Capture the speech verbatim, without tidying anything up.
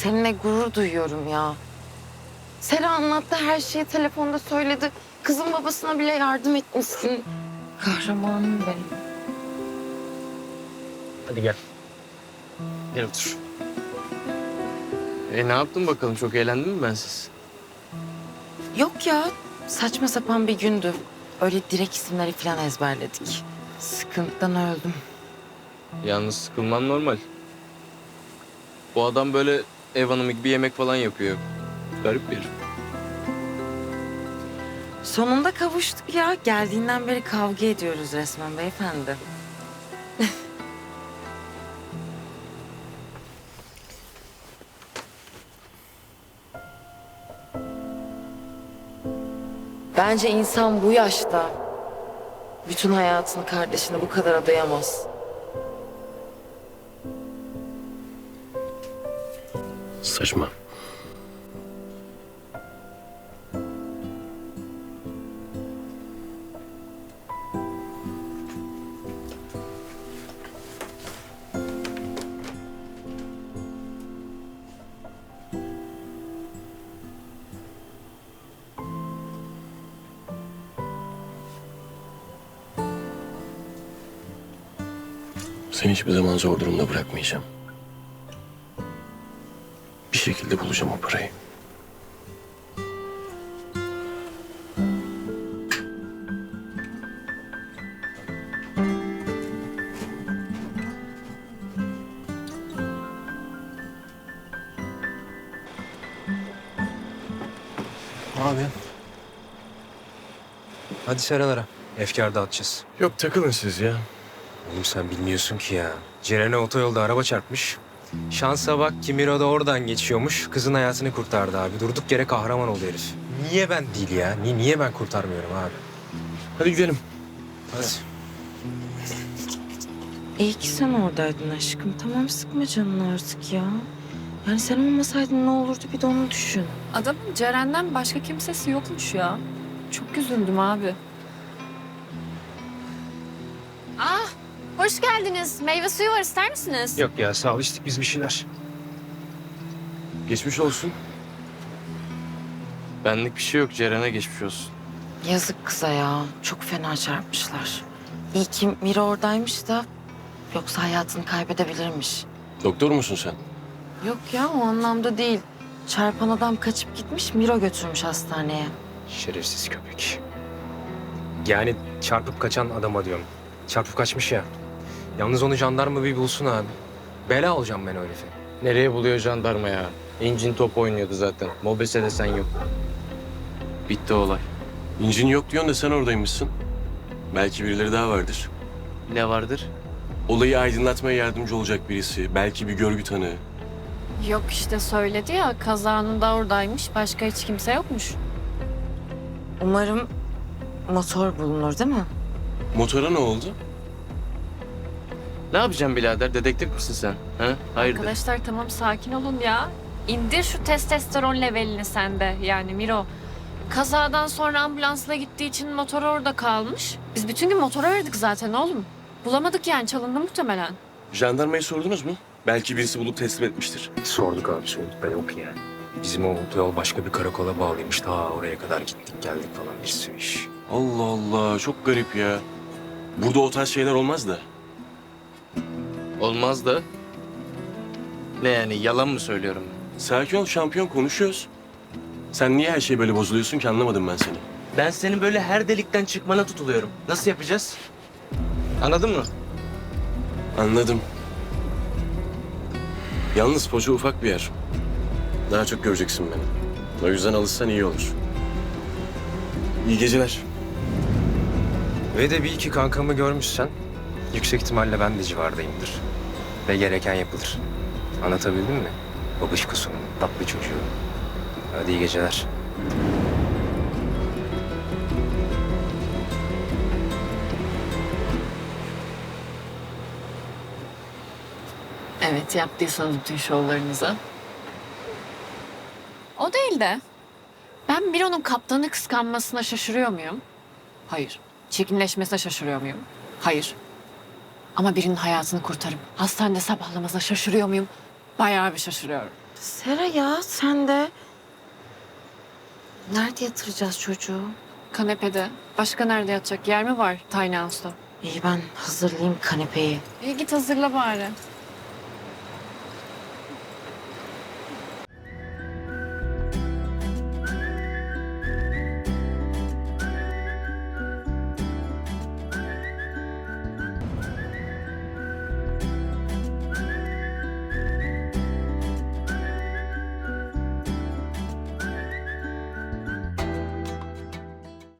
seninle gurur duyuyorum ya. Sera anlattı, her şeyi telefonda söyledi. Kızın babasına bile yardım etmişsin. Kahramanım benim. Hadi gel. Gel otur. E ne yaptın bakalım? Çok eğlendin mi bensiz? Yok ya, saçma sapan bir gündü. Öyle direkt isimleri falan ezberledik. Sıkıntıdan öldüm. Yalnız sıkılman normal. Bu adam böyle ev hanımı gibi yemek falan yapıyor. Garip bir herif. Sonunda kavuştuk ya. Geldiğinden beri kavga ediyoruz resmen beyefendi. Bence insan bu yaşta bütün hayatını kardeşine bu kadar adayamaz. Saçma. Seni hiçbir zaman zor durumda bırakmayacağım. Bir şekilde bulacağım o parayı. Ne yapıyorsun? Hadi Seralara. Efkar dağıtacağız. Yok takılın siz ya. Oğlum sen bilmiyorsun ki ya. Ceren'e otoyolda araba çarpmış. Şansa bak ki Miro da oradan geçiyormuş. Kızın hayatını kurtardı abi. Durduk yere kahraman oldu herif. Niye ben değil ya? Niye, niye ben kurtarmıyorum abi? Hadi gidelim. Hadi. İyi ki sen oradaydın aşkım. Tamam, sıkma canını artık ya. Yani sen olmasaydın ne olurdu bir de onu düşün. Adamın Ceren'den başka kimsesi yokmuş ya. Çok üzüldüm abi. Ah, hoş geldiniz. Meyve suyu var, ister misiniz? Yok ya sağ ol, içtik biz bir şeyler. Geçmiş olsun. Benlik bir şey yok. Ceren'e geçmiş olsun. Yazık kıza ya. Çok fena çarpmışlar. İyi ki Mira oradaymış da yoksa hayatını kaybedebilirmiş. Doktor musun sen? Yok ya, o anlamda değil. Çarpan adam kaçıp gitmiş, Miro götürmüş hastaneye. Şerefsiz köpek. Yani çarpıp kaçan adama diyorum. Çarpıp kaçmış ya. Yalnız onu jandarma bir bulsun abi. Bela olacağım ben o herife. Nereye buluyor jandarma ya? İncin top oynuyordu zaten. Mobese de sen yok. Bitti olay. İncin yok diyorsun da sen oradaymışsın. Belki birileri daha vardır. Ne vardır? Olayı aydınlatmaya yardımcı olacak birisi. Belki bir görgü tanığı. Yok işte söyledi ya, kazanın da oradaymış. Başka hiç kimse yokmuş. Umarım motor bulunur değil mi? Motora ne oldu? Ne yapacaksın birader? Dedektif misin sen? Ha? Hayırdır? Arkadaşlar tamam, sakin olun ya. İndir şu testosteron levelini sende. Yani Miro, kazadan sonra ambulansla gittiği için motor orada kalmış. Biz bütün gün motoru aradık zaten oğlum. Bulamadık yani, çalındı muhtemelen. Jandarmayı sordunuz mu? Belki birisi bulup teslim etmiştir. Sorduk abi sorduk. Ben yok yani. Bizim o otoyol başka bir karakola bağlıymış. Ta oraya kadar gittik geldik falan bir sürü iş. Allah Allah, çok garip ya. Burada o tarz şeyler olmaz da. Olmaz da. Ne yani? Yalan mı söylüyorum? Sakin ol şampiyon, konuşuyoruz. Sen niye her şey böyle bozuluyorsun ki, anlamadım ben seni. Ben senin böyle her delikten çıkmana tutuluyorum. Nasıl yapacağız? Anladın mı? Anladım. Yalnız Foça ufak bir yer. Daha çok göreceksin beni. O yüzden alışsan iyi olur. İyi geceler. Ve de bir iki kankamı görmüşsen yüksek ihtimalle ben de civardayımdır. Ve gereken yapılır. Anlatabildim mi? Babışkusunun tatlı çocuğu. Hadi iyi geceler. Evet, yaptıysanız bütün şovlarınızı. O değil de ben Miro'nun kaptanı kıskanmasına şaşırıyor muyum? Hayır. Çirkinleşmesine şaşırıyor muyum? Hayır. Ama birinin hayatını kurtarıp hastanede sabahlamasına şaşırıyor muyum? Bayağı bir şaşırıyorum. Sera ya sen de. Nerede yatıracağız çocuğu? Kanepede. Başka nerede yatacak? Yer mi var Tiny House'da? İyi ben hazırlayayım kanepeyi. İyi git hazırla bari.